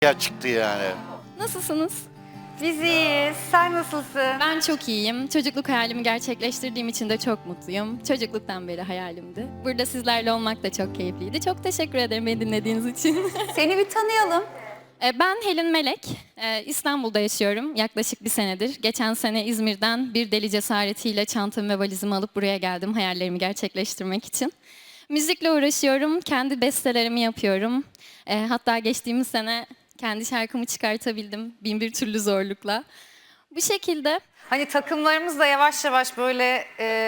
ya çıktı yani. Nasılsınız? Biz iyiyiz. Sen nasılsın? Ben çok iyiyim. Çocukluk hayalimi gerçekleştirdiğim için de çok mutluyum. Çocukluktan beri hayalimdi. Burada sizlerle olmak da çok keyifliydi. Çok teşekkür ederim beni dinlediğiniz için. Seni bir tanıyalım. Ben Helin Melek. İstanbul'da yaşıyorum yaklaşık bir senedir. Geçen sene İzmir'den bir deli cesaretiyle çantamı ve valizimi alıp buraya geldim hayallerimi gerçekleştirmek için. Müzikle uğraşıyorum, kendi bestelerimi yapıyorum. Hatta geçtiğimiz sene kendi şarkımı çıkartabildim bin bir türlü zorlukla. Bu şekilde. Hani takımlarımızda yavaş yavaş böyle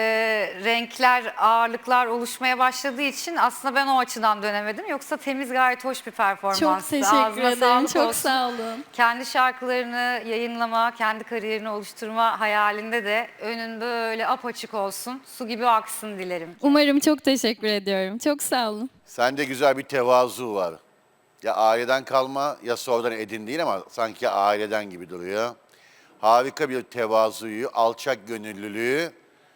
renkler, ağırlıklar oluşmaya başladığı için aslında ben o açıdan dönemedim. Yoksa temiz gayet hoş bir performanstı. Çok teşekkür Ağzına ederim, sağlık çok olsun. sağ olun. Kendi şarkılarını yayınlama, kendi kariyerini oluşturma hayalinde de önün böyle apaçık olsun, su gibi aksın dilerim. Umarım, çok teşekkür ediyorum. Çok sağ olun. Sende güzel bir tevazu var. Ya aileden kalma ya sonradan edindiğin ama sanki aileden gibi duruyor. Harika bir tevazuyu, alçak gönüllülüğü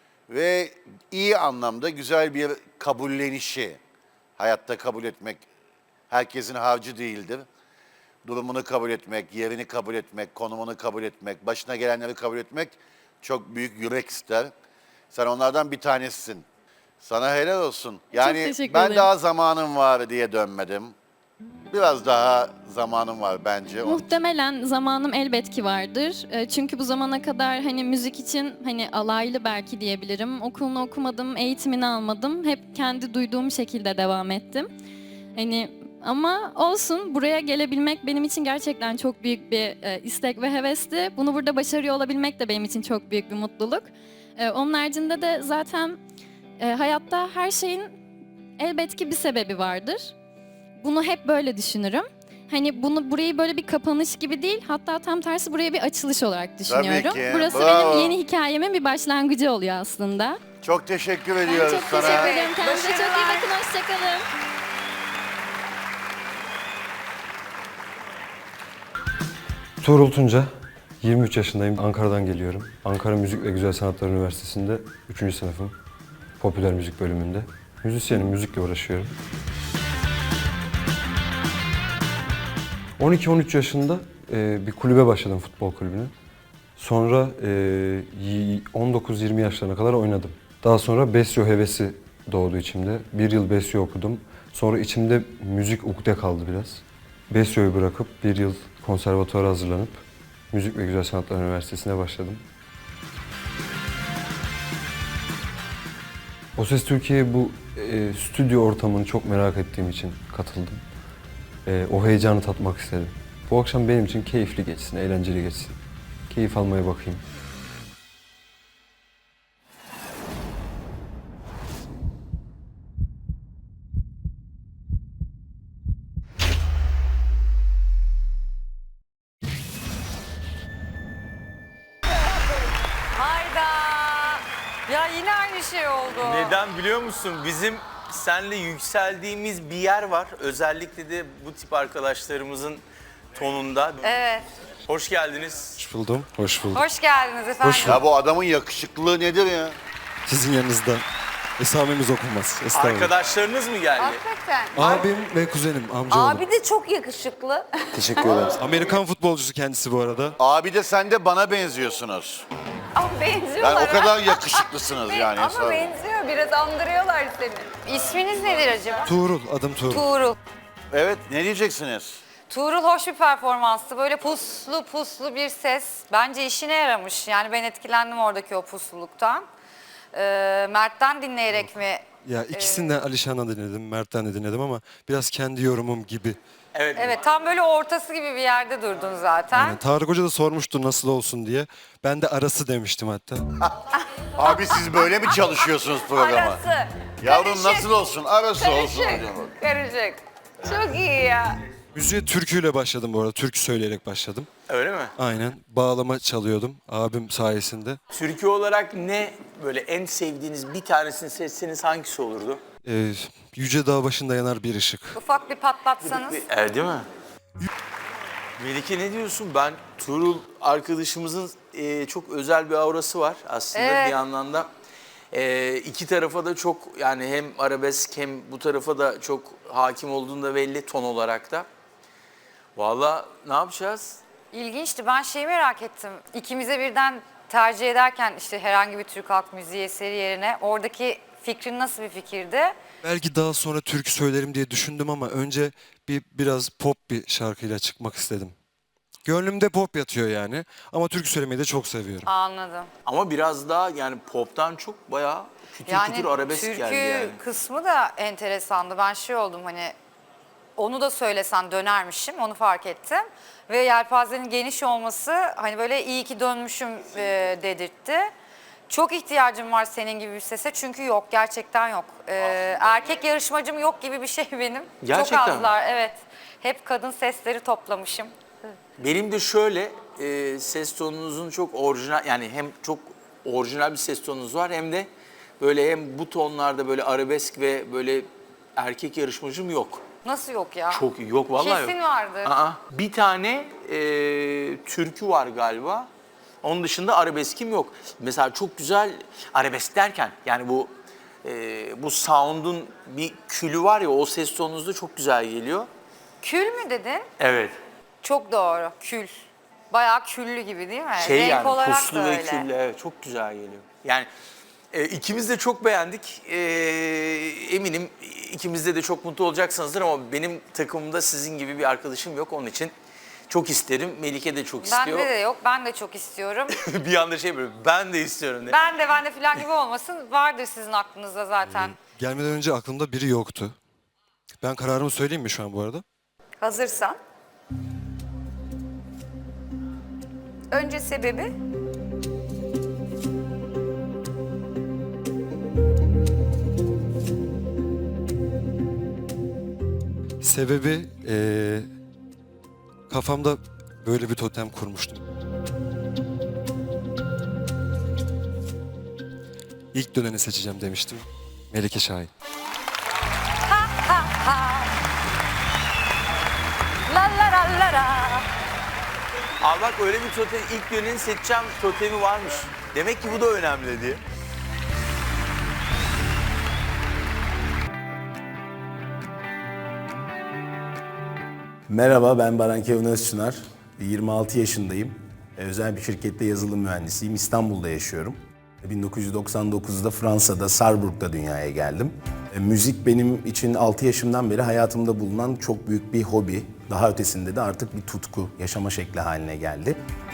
ve iyi anlamda güzel bir kabullenişi. Hayatta kabul etmek herkesin harcı değildir. Durumunu kabul etmek, yerini kabul etmek, konumunu kabul etmek, başına gelenleri kabul etmek çok büyük yürek ister. Sen onlardan bir tanesisin. Sana helal olsun. Yani teşekkür ben ederim. daha zamanım var diye dönmedim. Biraz daha zamanım var bence. Muhtemelen zamanım elbet ki vardır. Çünkü bu zamana kadar hani müzik için hani alaylı belki diyebilirim. Okulunu okumadım, eğitimini almadım. Hep kendi duyduğum şekilde devam ettim. Hani ama olsun, buraya gelebilmek benim için gerçekten çok büyük bir istek ve hevesti. Bunu burada başarıyor olabilmek de benim için çok büyük bir mutluluk. Onun haricinde de zaten hayatta her şeyin elbet ki bir sebebi vardır. Bunu hep böyle düşünürüm. Hani burayı böyle bir kapanış gibi değil, hatta tam tersi buraya bir açılış olarak düşünüyorum. ki, Burası bravo. benim yeni hikayemin bir başlangıcı oluyor aslında. Çok teşekkür Ben ediyoruz çok sana. teşekkür ederim. Kendinize çok iyi Başarılar. bakın. Hoşçakalın. Tuğrul Tunca, 23 yaşındayım. Ankara'dan geliyorum. Ankara Müzik ve Güzel Sanatlar Üniversitesi'nde 3. sınıfım. Popüler müzik bölümünde. Müzisyenim, müzikle uğraşıyorum. 12-13 yaşında bir kulübe başladım, futbol kulübüne. Sonra 19-20 yaşlarına kadar oynadım. Daha sonra Besyo hevesi doğdu içimde. Bir yıl Besyo okudum. Sonra içimde müzik ukde kaldı biraz. Besyo'yu bırakıp bir yıl konservatuvara hazırlanıp Müzik ve Güzel Sanatlar Üniversitesi'ne başladım. O Ses Türkiye'ye bu stüdyo ortamını çok merak ettiğim için katıldım. O heyecanı tatmak istedim. Bu akşam benim için keyifli geçsin, eğlenceli geçsin. Keyif almaya bakayım. Hayda! Ya yine aynı şey oldu. Neden biliyor musun? Bizim senle yükseldiğimiz bir yer var. Özellikle de bu tip arkadaşlarımızın tonunda. Evet. Hoş geldiniz. Hoş buldum, hoş buldum. Hoş geldiniz efendim. Ya bu adamın yakışıklılığı nedir ya? Sizin yanınızda esamemiz okunmaz. Estağfurullah. Arkadaşlarınız mı geldi? Hakikaten. Abim ve kuzenim, amcaoğlu. Abi de çok yakışıklı. Teşekkür ederim. Amerikan futbolcusu kendisi bu arada. Abi de sen de bana benziyorsunuz. Ama benziyorlar. Yani o ha. kadar yakışıklısınız yani. Ama benziyor, biraz andırıyorlar seni. İsminiz nedir acaba? Tuğrul, adım Tuğrul. Tuğrul. Evet, ne diyeceksiniz? Tuğrul hoş bir performanstı. Böyle puslu puslu bir ses. Bence işine yaramış. Yani ben etkilendim oradaki o pusluluktan. Mert'ten dinleyerek mi? Ya ikisinden Alişan'dan dinledim, Mert'ten de dinledim ama biraz kendi yorumum gibi. Evet. Evet, tam böyle ortası gibi bir yerde durdun zaten. Yani Tarık Hoca da sormuştu nasıl olsun diye. Ben de arası demiştim hatta. Abi siz böyle mi çalışıyorsunuz programa? Arası. Yavrum Karışık. nasıl olsun? Arası olsun. Karışık. Karışık. Çok iyi ya. Müziğe türküyle başladım bu arada, türkü söyleyerek başladım. Öyle mi? Aynen, bağlama çalıyordum abim sayesinde. Türkü olarak ne böyle en sevdiğiniz bir tanesini seçseniz hangisi olurdu? Yüce dağ başında yanar bir ışık. Ufak bir patlatsanız. Değil mi? Melike ne diyorsun? Ben Tuğrul arkadaşımızın çok özel bir aurası var aslında Evet. bir yandan da. İki tarafa da çok yani hem arabesk hem bu tarafa da çok hakim olduğunda belli ton olarak da. Vallahi ne yapacağız? İlginçti. Ben şeyi merak ettim. İkimize birden tercih ederken işte herhangi bir Türk halk müziği eseri yerine oradaki fikrin nasıl bir fikirdi? Belki daha sonra türkü söylerim diye düşündüm ama önce biraz pop bir şarkıyla çıkmak istedim. Gönlümde pop yatıyor yani ama türkü söylemeyi de çok seviyorum. Anladım. Ama biraz daha yani poptan çok bayağı kütür kütür arabesk türkü geldi yani. kısmı da enteresandı. Ben şey oldum hani onu da söylesen dönermişim onu fark ettim. Ve yelpazenin geniş olması hani böyle iyi ki dönmüşüm dedirtti. Çok ihtiyacım var senin gibi bir sese çünkü yok gerçekten yok. Erkek yarışmacım yok gibi bir şey benim. Gerçekten Çok mi? azlar evet. Hep kadın sesleri toplamışım. Benim de şöyle ses tonunuzun çok orijinal yani hem çok orijinal bir ses tonunuz var hem de böyle hem bu tonlarda böyle arabesk ve böyle erkek yarışmacım yok. Nasıl yok ya? Çok iyi. Yok vallahi Kesin yok. vardır. Aa, bir tane türkü var galiba. Onun dışında arabeskim yok. Mesela çok güzel arabesk derken yani bu sound'un bir külü var ya o ses tonunuzda çok güzel geliyor. Kül mü dedin? Evet. Çok doğru. Kül. Bayağı küllü gibi değil mi? Şey Renk yani olarak puslu da ve öyle. küllü evet çok güzel geliyor. Yani ikimiz de çok beğendik. Eminim ikimizde de çok mutlu olacaksınızdır ama benim takımımda sizin gibi bir arkadaşım yok. Onun için çok isterim. Melike de çok istiyor. Bende de yok. Ben de çok istiyorum. Bir anda şey böyle ben de istiyorum diye. ben de falan gibi olmasın. Vardır sizin aklınızda zaten. Gelmeden önce aklımda biri yoktu. Ben kararımı söyleyeyim mi şu an bu arada? Hazırsan. Önce sebebi. Sebebi kafamda böyle bir totem kurmuştum. İlk döneni seçeceğim demiştim. Melike Şahin. La la la la la. Aa bak öyle bir totem ilk döneni seçeceğim totemi varmış. Demek ki bu da önemli diye. Merhaba, ben Baran Kevin Özçınar. 26 yaşındayım. Özel bir şirkette yazılım mühendisiyim. İstanbul'da yaşıyorum. 1999'da Fransa'da, Sarrebruck'ta dünyaya geldim. Müzik benim için 6 yaşımdan beri hayatımda bulunan çok büyük bir hobi. Daha ötesinde de artık bir tutku, yaşama şekli haline geldi.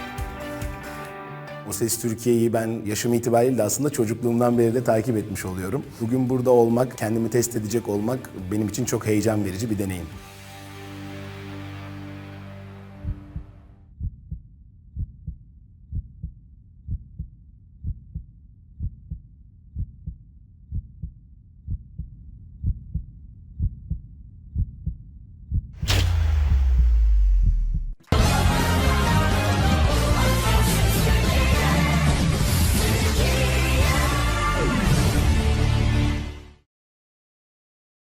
O Ses Türkiye'yi ben yaşım itibariyle de aslında çocukluğumdan beri de takip etmiş oluyorum. Bugün burada olmak, kendimi test edecek olmak benim için çok heyecan verici bir deneyim.